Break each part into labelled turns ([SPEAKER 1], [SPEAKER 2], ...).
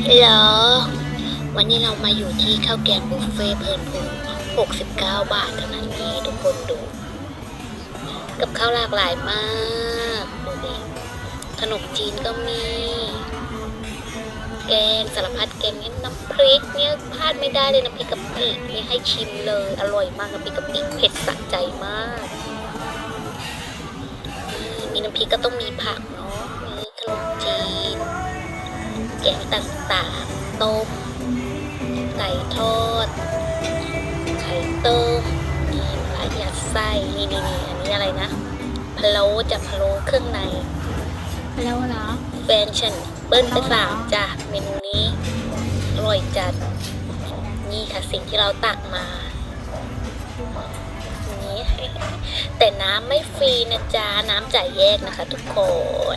[SPEAKER 1] ฮัลโหลวันนี้เรามาอยู่ที่ข้าวแกงบุฟเฟ่เพลินพู69 บาทเท่านั้นเองทุกคนดู กับข้าวหลากหลายมากดูดิขนมจีนก็มี แกงสารพัดแกงเนี่ยน้ำพริกเนี่ยพลาดไม่ได้เลยน้ำพริกกะปิเนี่ยให้ชิมเลยอร่อยมากน้ำพริกกะปิเผ็ดสะใจมากมีน้ำพริกก็ต้องมีผักเนาะมีขนมจีนแกงต่างๆต้มไก่ทอดไข่ต้มนี่ปลายัดไส้นี่อันนี้อะไรนะพะโล้จะพะโล้เครื่องใน
[SPEAKER 2] แล้วเหรอ
[SPEAKER 1] แฟนฉันเบิ้ลไป3จ้ะเมนูนี้อร่อยจัดนี่ค่ะสิ่งที่เราตักมานี่ แต่น้ำไม่ฟรีนะจ๊ะน้ำจ่ายแยกนะคะทุกคน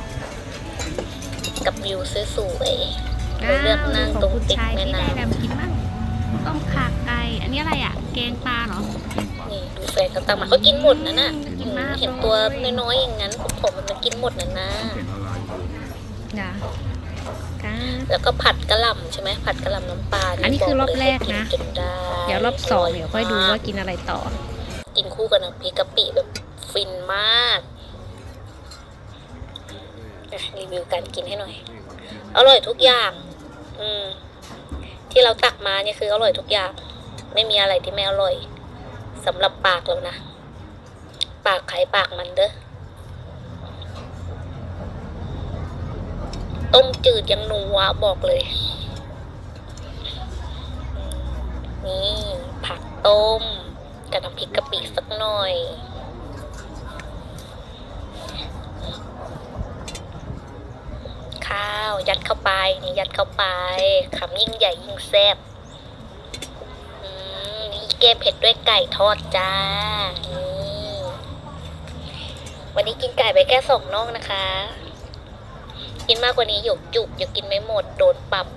[SPEAKER 1] กับวิวสวยๆเราเลือกนั่งตรงติดแม่น้ำ
[SPEAKER 2] กินบ้างต้มข่าไก่อันนี้อะไรอ่ะแกงปลาเหรอ
[SPEAKER 1] นี่ดูแฟนเขาตักมาเขากินหมดนะน่ะ
[SPEAKER 2] กินมาก
[SPEAKER 1] เห็นตัวน้อยๆอย่างนั้นผมมันกินหมดนะนะ
[SPEAKER 2] นะ
[SPEAKER 1] แล้วก็ผัดกะหล่ำใช่ไหมผัดกะหล่ำน้ำปลา
[SPEAKER 2] อันนี้คือรอบแรกนะ
[SPEAKER 1] จนได้
[SPEAKER 2] เดี๋ยวรอบสองเดี๋ยวค่อยดูว่ากินอะไรต่อ
[SPEAKER 1] กินคู่กับน้ำพริกกะปิแบบฟินมากรีวิวการกินให้หน่อยอร่อยทุกอย่างที่เราตักมาเนี่ยคืออร่อยทุกอย่างไม่มีอะไรที่ไม่อร่อยสำหรับปากเรานะปากใครปากมันเด้อต้มจืดยังนัวบอกเลยนี่ผักต้มกับน้ำพริกกะปิสักหน่อยข้าวยัดเข้าไปนี่ยัดเข้าไปคำยิ่งใหญ่ยิ่งแซ่บนี่แกงเผ็ดด้วยไก่ทอดจ้านี่วันนี้กินไก่ไปแค่2 น่องนะคะกินมากกว่านี้หยกจุกอย่ากินไม่หมดโดนปรับ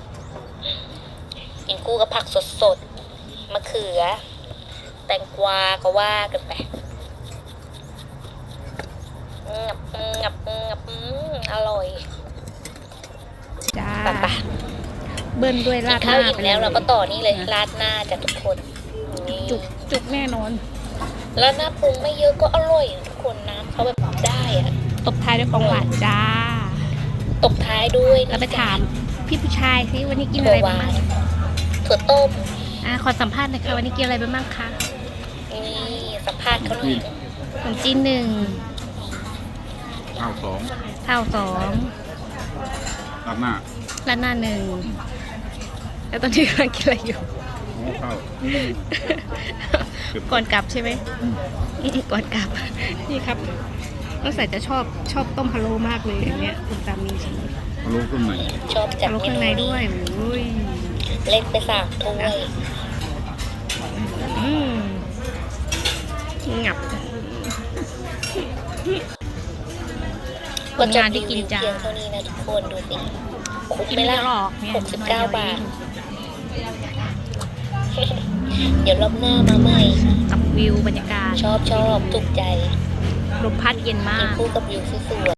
[SPEAKER 1] กินคู่กับผักสดๆมะเขือแตงกวาก็ว่ากันไปงับอร่อย
[SPEAKER 2] จ้า
[SPEAKER 1] ปะ
[SPEAKER 2] เบิ้ลด้วย
[SPEAKER 1] กิ
[SPEAKER 2] ราน ดห
[SPEAKER 1] ข้าว
[SPEAKER 2] น้า
[SPEAKER 1] อิ่มแล้วเราก็ต่อนี่เลยราดหน้าจากทุกคนนี่
[SPEAKER 2] จุกแน่นอน
[SPEAKER 1] ราดหน้าปรุงไม่เยอะก็อร่อยนะทุกคนน้ำเขาแบบได้อะ
[SPEAKER 2] ตบท้ายด้วยของหวานจ้า
[SPEAKER 1] ตบท้ายด้วย
[SPEAKER 2] เราไปถามพี่ผู้ชายสิวันนี้กินอะไร
[SPEAKER 1] ห
[SPEAKER 2] บ้าง
[SPEAKER 1] วานถั่วต้ม
[SPEAKER 2] ขอสัมภาษณ์หน่อยค่ะวันนี้กินอะไรไปบ้างคะ
[SPEAKER 1] นี่สัมภาษณ์เขาหน่อย
[SPEAKER 2] ขนมจีน1
[SPEAKER 3] ข้าวสอง
[SPEAKER 2] ข้าว2
[SPEAKER 3] ราดหน้า
[SPEAKER 2] ราดหน้า1แล้วตอนนี้กำลังกินอะไรอยู่
[SPEAKER 3] โอ้ข้าว
[SPEAKER 2] ก่อนกลับใช่ไหมก่อนกลับ นี่ครับน้องสายจะชอบต้มพะโล้มากเลยอันเนี้ยคุณตามนี้ใช่ไหม
[SPEAKER 3] พะโล้เครื่องใน
[SPEAKER 1] ชอบจั
[SPEAKER 2] พะ
[SPEAKER 1] ด
[SPEAKER 2] โล้
[SPEAKER 1] เม
[SPEAKER 2] ข้าง
[SPEAKER 1] นู
[SPEAKER 2] ใน
[SPEAKER 1] นี้
[SPEAKER 2] ด้วยโอ้ย
[SPEAKER 1] เล่นไป3 ถ้วย
[SPEAKER 2] อืมงับ ผลงานที่กินจ้า
[SPEAKER 1] เพียงเท่านี้นะทุกคนดูสิคุ้ม
[SPEAKER 2] กิน
[SPEAKER 1] ไหม
[SPEAKER 2] ไม่
[SPEAKER 1] ล่ะ
[SPEAKER 2] ได้หรอกเนี่ย
[SPEAKER 1] 69 บาท เดี๋ยวรอบหน้ามาใหม่
[SPEAKER 2] กับวิวบรรยากาศ
[SPEAKER 1] ชอบถูกใจ
[SPEAKER 2] ลมพัดเย็นมา
[SPEAKER 1] กิน
[SPEAKER 2] ก
[SPEAKER 1] คู่กับวิวสวย